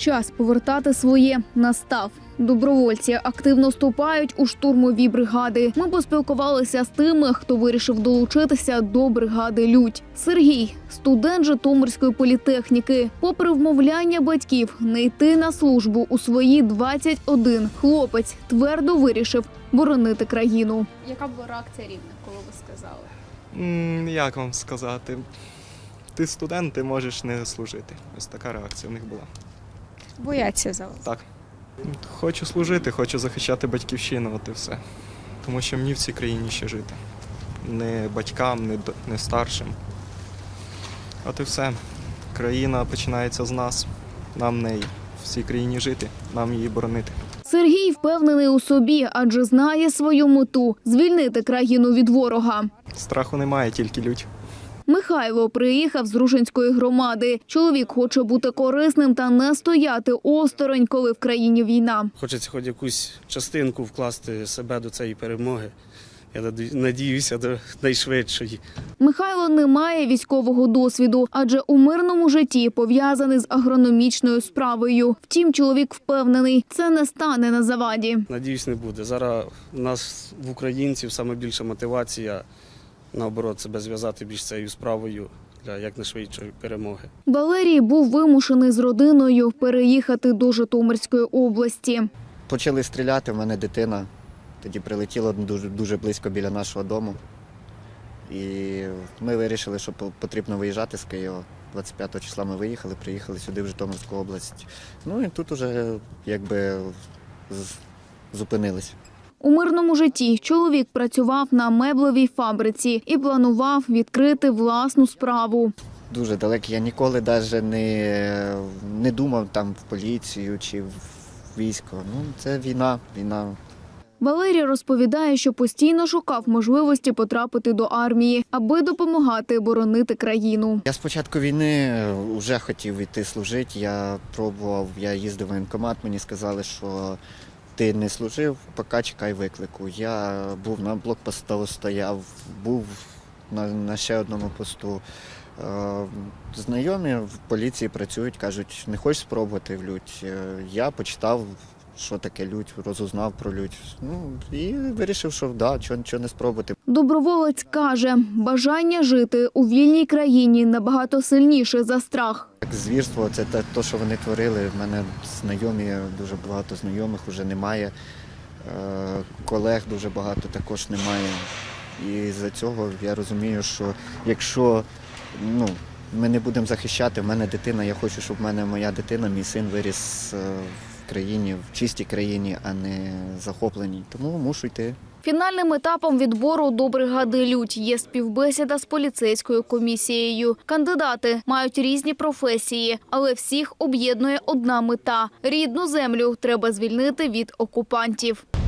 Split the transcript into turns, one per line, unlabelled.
Час повертати своє настав. Добровольці активно вступають у штурмові бригади. Ми поспілкувалися з тими, хто вирішив долучитися до бригади «Людь». Сергій – студент Житомирської політехніки. Попри вмовляння батьків не йти на службу у свої 21, хлопець твердо вирішив боронити країну.
Яка була реакція рідних, коли ви сказали?
Як вам сказати? Ти студент, ти можеш не служити. Ось така реакція в них була.
Бояться за вас.
Так. Хочу служити, хочу захищати батьківщину, от і все. Тому що мені в цій країні ще жити. Не батькам, не старшим. От і все. Країна починається з нас. Нам в неї в цій країні жити, нам її боронити.
Сергій впевнений у собі, адже знає свою мету – звільнити країну від ворога.
Страху немає, тільки лють.
Михайло приїхав з Рушинської громади. Чоловік хоче бути корисним та не стояти осторонь, коли в країні війна.
Хочеться хоч якусь частинку вкласти себе до цієї перемоги. Я надіюся до найшвидшої.
Михайло не має військового досвіду, адже у мирному житті пов'язаний з агрономічною справою. Втім, чоловік впевнений, це не стане на заваді.
Надіюсь, не буде. Зараз у нас в українців саме більша мотивація, наоборот, себе зв'язати більш цією справою для якнайшвидшої перемоги.
Валерій був вимушений з родиною переїхати до Житомирської області.
Почали стріляти, в мене дитина. Тоді прилетіло дуже близько біля нашого дому. І ми вирішили, що потрібно виїжджати з Києва. 25 числа ми виїхали, приїхали сюди, в Житомирську область. Ну і тут уже якби зупинились.
У мирному житті чоловік працював на меблевій фабриці і планував відкрити власну справу.
Дуже далеко. Я ніколи навіть не думав там в поліцію чи в військо. Ну, це війна.
Валерій розповідає, що постійно шукав можливості потрапити до армії, аби допомагати боронити країну.
Я з початку війни вже хотів йти служити. Я пробував, я їздив в воєнкомат, мені сказали, що ти не служив, поки чекай виклику. Я був на блокпосту, стояв, був на ще одному посту. Знайомі в поліції працюють, кажуть, не хочеш спробувати в лють. Я почитав, що таке лють, розузнав про лють. Ну, і вирішив, що да, чого не спробувати.
Доброволець каже, бажання жити у вільній країні набагато сильніше за страх.
Звірство – це те, що вони творили. В мене знайомі, дуже багато знайомих вже немає. Колег дуже багато також немає. І з-за цього я розумію, що якщо ми не будемо захищати, в мене дитина, я хочу, щоб в мене моя дитина, мій син виріс в країні, в чистій країні, а не захопленій. Тому мушу йти.
Фінальним етапом відбору до бригади «Людь» є співбесіда з поліцейською комісією. Кандидати мають різні професії, але всіх об'єднує одна мета – рідну землю треба звільнити від окупантів.